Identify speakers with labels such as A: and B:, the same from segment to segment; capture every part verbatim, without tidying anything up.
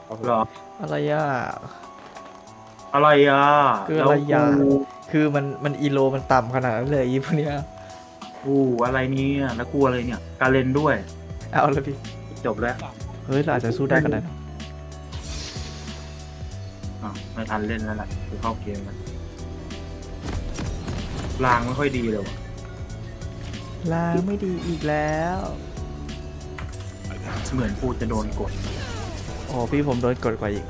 A: เหรอ
B: อะไรอ่ะ
A: อะไรอ่ะ
B: คืออะไรอ่ะ
A: แล้วกู
B: คือมันมันอีโลมันต่ำขนาดนั้นเลยอีพวกเนี้ย
A: กูอะไรเนี่ยแล้วกูอะไรเนี่ยการเล่นด้วย
B: เอาเลยพี่
A: จบแล้ว
B: เฮ้ยเราอาจจะสู้ได้ก็ได้นะ
A: อ่ะไม่ทันเล่นแล้วแหละกูเข้าเกมมันลางไม่ค่อยดีเลยวะ
B: ลางไม่ดีอีกแล้ว
A: เหมือนกูจะโดนกด
B: โอ้พี่ผมโดนกดกว่าอีก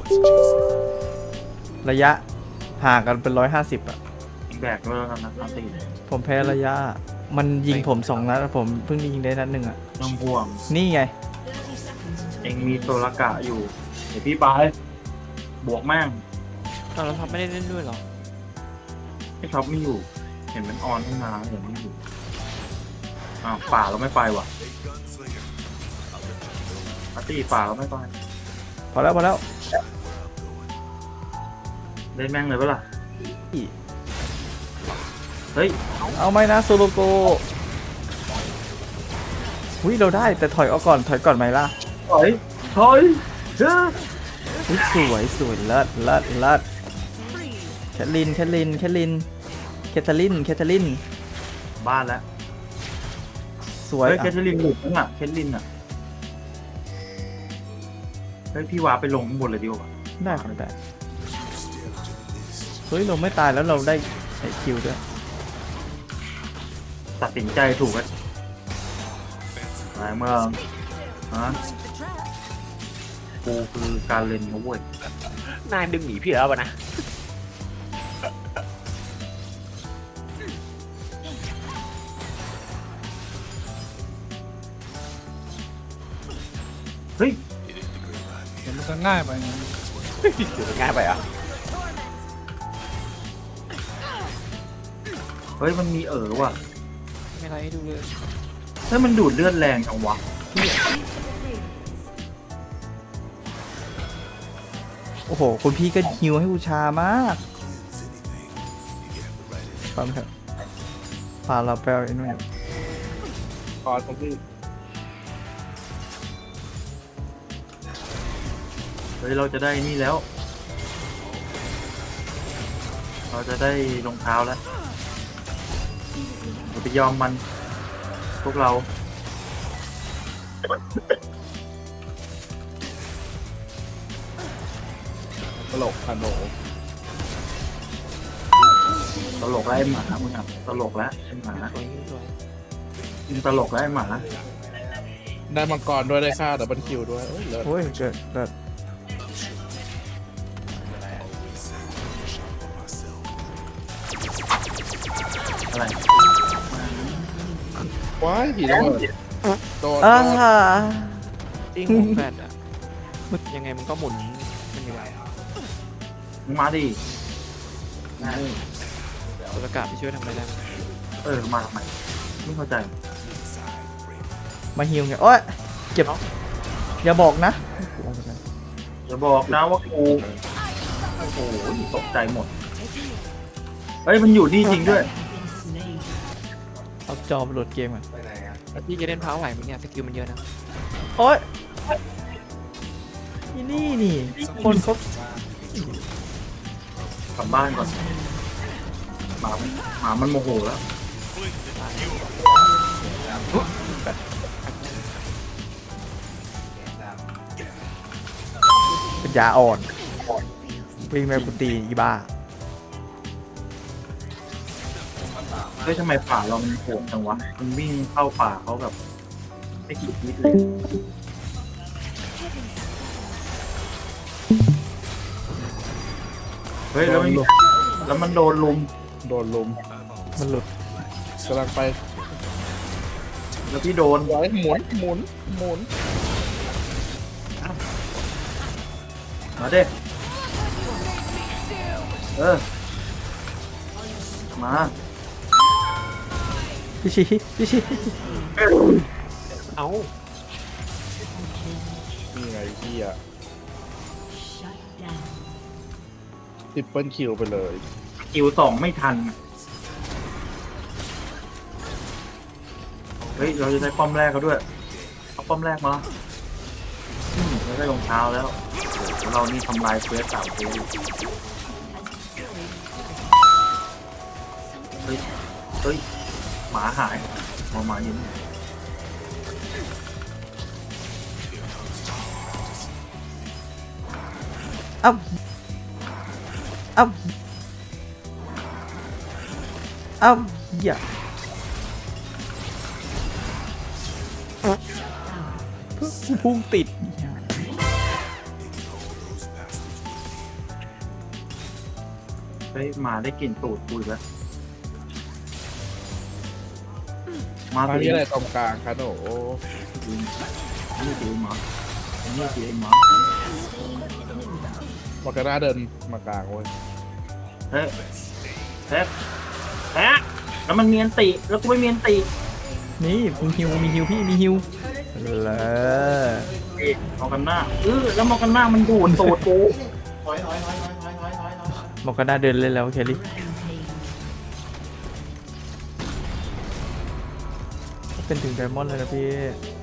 B: ระยะห่างกันเป็นร้อยห้าสิบอ่ะ
A: แบกด้วยแล้วกันนะตี
B: ผมแพ้ระยะ มันยิงผมสองนัดอะผมเพิ่งยิงได้นัดหนึ่งอ่ะ
A: น้องห่วง
B: นี่ไง
A: เองมีโซลกะอยู่ เดี๋ยวพี่ไป บวกแม่ง
C: ตอนเราพับไม่ได้เล่นด้วยหรอ
A: ไอ้ท็อปไม่อยู่ เห็นมันออนขึ้นมาเห็นไม่อยู่อ้าวป่าเราไม่ไปว่ะปาร์ตี้ป่าเราไม่ไป
B: พอแล้วพอแล้ว
A: เล่นแม่งเลยปะล่ะเฮ้ย
B: เอาไหมนะโซโลโกหุ้ยเราได้แต่ถอยออกก่อนถอยก่อนไหมล่ะ
A: ถอยถอยเฮ้ย
B: อุ๊ยสวยสวยเลิศเลิศเลิศแคทลินแคทลินแคทลินแคทเธอรินแคทเธอริน
A: บ้านแล้ว
B: สวย
A: เฮ้ย
B: อ่ะ
A: แคทเธอรีนหลุดนั่นอ่ะแคทลินอ่ะเฮ้ยพี่วาไปลงข้างบนเลยดีกว่า
B: ได้ครับได้เฮ้ยเราไม่ตายแล้วเราได้ไอคิวด้วย
A: ตัดสินใจถูกไหมหลายเมืองฮะกูคือการเล่นนะเว้ย
C: นายดึงหนีพี่แล้วป่ะนะ
A: เฮ้ย
D: เดี๋ยวมันจะง่ายไปไง
C: เดี๋ยวง่ายไปอ่ะ
A: เฮ้ยมันมีเอ๋อว่ะ
C: ไม่ไรให้ดูเลย
A: เฮ้ยมันดูดเลือดแรงจังวะ
B: โอ้โหคุณพี่ก็ฮิวให้บูชามากฟังเถอะพาเราไปเอาไอ้นู่น
D: คอร์สของพี่
A: เฮ้ยเราจะได้นี่แล้ว เราจะได้รองเท้าแล้วเราไปยอมมันพวกเรา
D: ตลกขนม
A: ตลกแล้วไอ้หมามึงอ่ะตลกแล้วไอ้หมา
C: สวยสวย
A: มึงตลกแล้วไอ้หมา
D: ได้มังกรด้วยได้ค่าดับเบิลคิวด้วยเอ้ยเลิศ
B: โอ้ยเกิดเกิด
A: อะไร
D: ว้ายผีระเบิดโดน
B: อ่า
C: ติ้งของแฟดอ่ะยังไงมันก็หมุนมันยังไง
A: มึงมาดิ
C: ตัวกาศไปช่วยทำอะไรได้
A: เออมาทำไมไม่เข้าใจ
B: มาฮิวไงโอ้ยเจ็บอย่าบอกนะ
A: จะบอกนะว่ากูโอ้โหตกใจหมดเฮ้ยมันอยู่นี่จริงด้วย
B: เอาจอไปโหลดเกมก่อน
C: แล้วพี่จะเล่นพาวไหวไหมเนี่ยสกิลมันเยอะนะ
B: โอ้ยนี่นี่นี่คนเขา
A: กลับบ้านก่อนหมามันหมามันโมโหแล้ว
B: เป็นยาอ่อนวิ่งไปกุตีอีบ้า
A: เฮ้ยทำไมป่าเรามันโหดจังวะมันวิ่งเข้าป่าเขาแบบไม่คิดนิดเลยเฮ้ยแล้วมันแล้วมันโดนลุม
D: โดนลุม
B: มันหลุด
D: กำลังไป
A: แล้วพี่โดน
D: ไว้หมุนหมุนหมุน
A: มาเด้เออมา
B: พี่ชี้พี่ชี้
C: เอ้า
D: นี่ไงพี่อะติดเปิลคิวไปเลย
A: คิวสองไม่ทัน เฮ้ย เราจะได้ป้อมแรกเขาด้วย เอาป้อมแรกมาอืมแล้วได้รองเท้าแล้วโอ้โหเรานี่ทำลายเควสสามเควสเฮ้ยเฮ้ยหมาหายหมาหมาอยู่นี่
B: เอ้าเอ้าเอ้าอย่าพุ่งติด
A: เฮ้ยหมาได้กลิ่นตูดปุยแล้วมา
D: มา
A: ตัวเอ
D: ที่
A: ง
D: อะไรตรงกลางคะโหน
A: นี่ตัวเองหมานี่ตัวเองหมา
D: บอกกันหน้าเดินมากลางเว้ย
A: เฮ้ยเฮ้ยเฮ้ยแล้วมันเมียนติแล้วกูไม่เมียนติ
B: นี่มีฮิวมีฮิวพี่มีฮิวเลย
A: เอ๊ะมองกันหน้าเออแล้วมองกันหน้ามันดูดตูดกู
B: บอกก็น่าเดินเล่นแล้วเคลลี่เป็นถึงไดมอนด์เลยนะพี่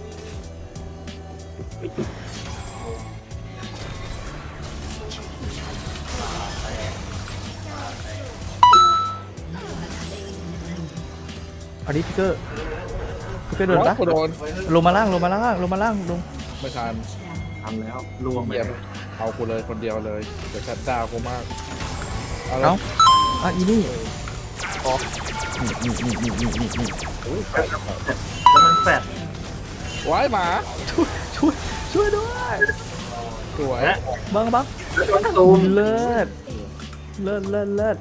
B: เอาดิพิกเกอร์พิกเกอร์โดนปะ
D: กูโดน
B: ลงมาล่างลงมาล่างลงมาล่างลง
D: ไม่ทัน
A: ทำแล้วล่วงไป
D: เยี่ยมเอากูเลยคนเดียวเลยเดี๋ยวชัดดาวกูมากเอาละ
B: เอ้าอ่ะอีนี่
D: พอ
B: นี่นี่นี่นี่นี่นี่นี่
D: อุ้ยแปด
A: แล้วมันแฟด
D: ว้ายหมา
B: ช่วยช่วยด้วย
D: สวย
A: และ
B: บังบัง
A: แล้วมันตูม
B: เลิศเลิศเลิศเลิศ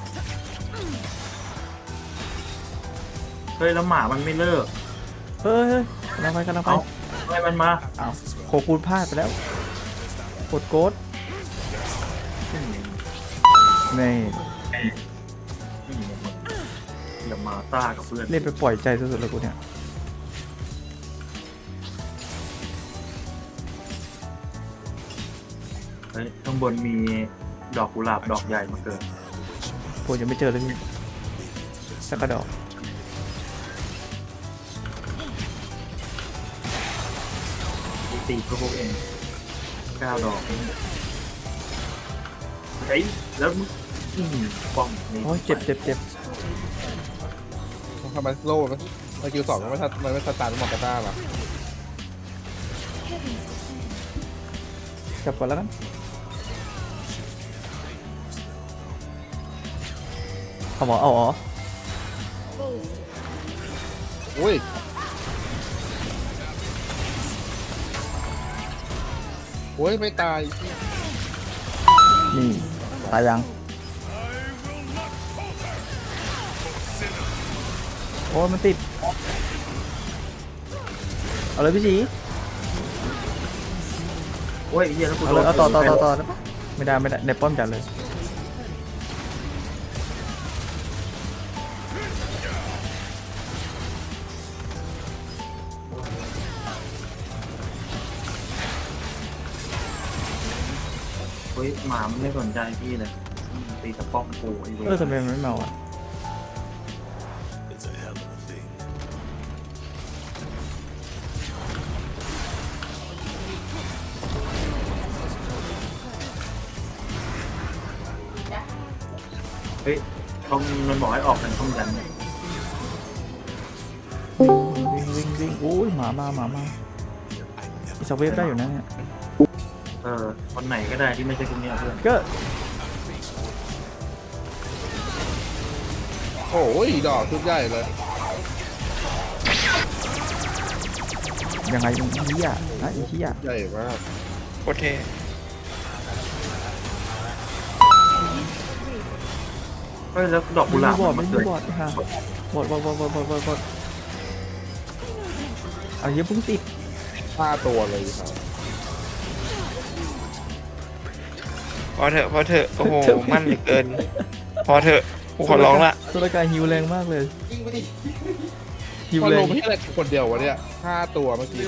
A: เฮ้ยแล้วหมามันไม่เลิก
B: เฮ้ยเฮ้ยกำลังไปกำลังไป
A: เอาทำไมมันมา
B: เอาโคคูนพลาดไปแล้วกดโกดนี่
A: เดี๋ยวมาซ่ากับเพื่อน
B: เล่นไปปล่อยใจสุดๆเลยกูเนี่ย
A: เฮ้ยข้างบนมีดอกกุหลาบดอกใหญ่มาเกิด
B: ผมยังไม่เจอเลยพี่สักกระดอก
A: ตีพวกพวกเองเก้าดอกเองเฮ้ยแล้วมึงอื้อหือป้องนี่
B: โอ้ยเจ็บเจ็บเจ็บ
D: ทำไมโล่นะสกิลสองมันไม่ทันมันไม่ทันตามหมอกกระต้าหรอ
B: จับก่อนแล้วกันเอาหมอเอาอ๋อ
D: อุ้ยโอ้ยไม่ตาย
B: นี่ตายยังโอ้ยมันติดเอาเลยพี่ชี
A: โอ้ยเฮียแล้วกู
B: เอา
A: โด
B: เลย
A: น
B: เอาต่อต่อต่อต่อได้ปะไม่ได้ไม่ได้ในป้อมจัดเลย
A: เฮ้ยหมามันไม่สนใจพี่เลยตีตะป้องกูไอ้เว้ย
B: เออทำไมมันไม่เมาอ่ะ
A: เฮ้ยเขามันบอกให้ออกกันต้องยัน
B: วิ่งวิ่งวิ่งโอ้ยหมามาหมามาอีสเวฟได้อยู่นะเนี่ย
A: เออคนไหนก็ได้ที่ไม่ใช่คนเนี้ยเพื่อน
B: ก็
D: โอ้ยดอกชุดใหญ่เลย
B: ยังไงอีเหี้ยนะอีเหี้ย
D: ใหญ่มาก
C: โอเค
A: เฮ้ยแล้วดอกกุ
B: ไม่
A: หลา
B: มี
A: บบ
B: อด
A: มั
B: ไม่
A: น
B: มี
A: เกิด
B: บอดค่ะบอดบอดบอดบอดบอดบอดบอดเอาเยอะพุ่งติด
D: ห้าตัวเลยครับ
C: พอเถอะพอเถอะโอ้โหมั่นเหลือเกิน พอเถอะกูขอร้องละ
B: ตัวละกายฮิวแรงมากเลยฮิว
D: มัน
B: แร
D: ล
B: ง
D: งที่อะไรคนเดียววะเนี่ยห้าตัวเมื่อกี้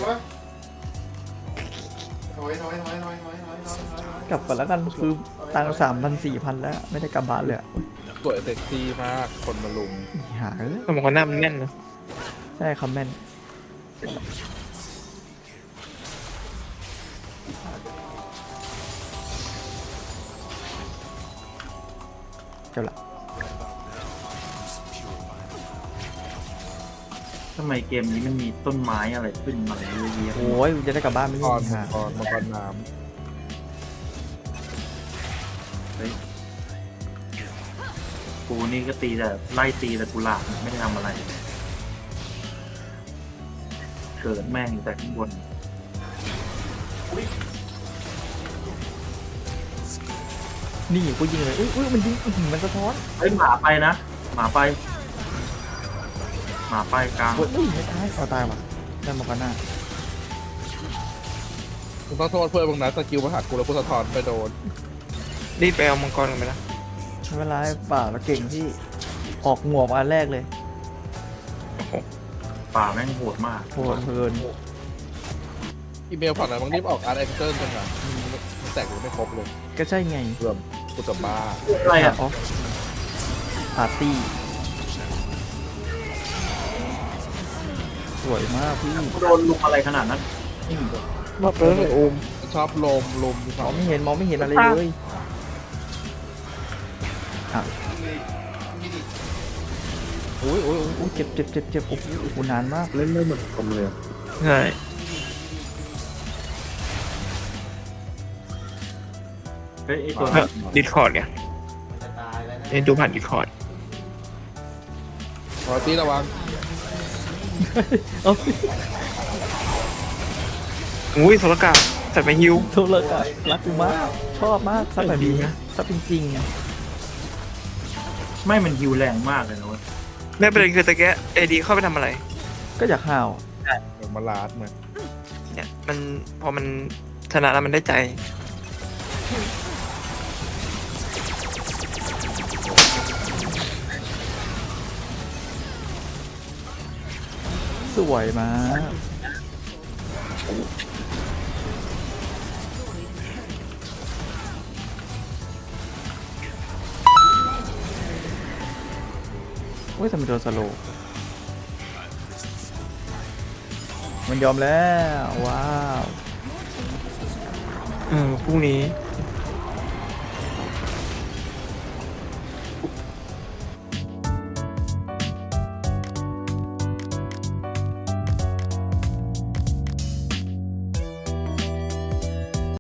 B: กลับก่อนแล้วกันคือตังสามพันสี่พันแล้วไม่ได้กลับบ้านเลยอะ
D: สวยเซ็กซี่มากคนมาลุม
B: อีหาเอ้ย
C: สมองหน้ามันแน่นนะ
B: ใช่คอมเมนต์เจ้าละ
A: ทำไมเกมนี้มันมีต้นไม้อะไรขึ้นมาเยอะแยะ
B: โอ้ยจะได้กลับบ้านไม่
D: ก่
B: ได้
D: อน
B: ฮะ
D: ก่อนมังกรน้
A: เฮ้ยกูนี่ก็ตีแต่ไล่ตีแต่กุหลาบไม่ได้ทำอะไร เกิดแม่งอยู่แต่ข้างบน
B: นี่กูยิงเลยอุ้ยอุ้ยมันยิงอื้อหือมันสะท้อน
A: เฮ้ยหมาไปนะหมาไป หมาไปกลาง
B: โอ้ยอุ้ยไม่ตายเอาตายว่ะได้มากันหน้า
D: ำมึงต้องโทษเพื่อนมึงนะสกิลมาหักกูแล้วกูสะท้อนไปโดน
C: รีบไปเอามังกรกันไปนะ
B: ไม่เป็นไรเปล่าเราเก่งที่ออกหมวกอันแรกเลย
C: โอ้โห
A: ป่าแม่งโหดมาก
B: โหดเพลิน
D: อีเมลผ่านไหนมึงรีบออกอาร์ตเอ็กเซอร์กันนะมันแตกหรือไม่ครบเลย
B: ก็ใช่ไง
D: เพื่อมกูจะบ้า
A: อะไรอ่ะ
B: ออฟปาร์ตี้สวยมากพี่
A: กูโดนลุมอะไรขนาดนั้นนี่
C: มาเปิดเลยโอม
D: มันชอบลมลมที่
B: ม
D: เขา
B: องไม่เห็นมองไม่เห็นอะไรเลยอ่ะ
D: อุ้ยอุ้ยอุ้ย
B: โอ้ยเจ็บเจ็บเจ็บเจ็บโอ้โหโอ้โหนานมาก
A: เล่นไม่เหมือนผมเลย
C: ใช่
A: เฮ้ยไอตัว
C: ดิสคอร์ดไงเอ็นดูผ่านดิสคอร์ด
D: ขอตีระวัง
B: เอ้า
C: อุ้ยโซลกาใส่ไปฮิว
B: โทษเลยอ่ะรักกูมากชอบมากซับแบบนี้นะซับจริงๆอ่ะ
A: ไม่มันฮิวแรงมากเลยนะเว้ย
C: แม่ประเด็นคือตะแกะเอดีเข้าไปทำอะไร
B: ก็อยากห่าว
D: เหมือนมาลาดเหมือน
C: เนี่ยมันพอมันชนะแล้วมันได้ใจ
B: สวยมากโอ้ยทำไมโดนสโลว์มันยอมแล้ว ว้าว
C: เออพรุ่งนี้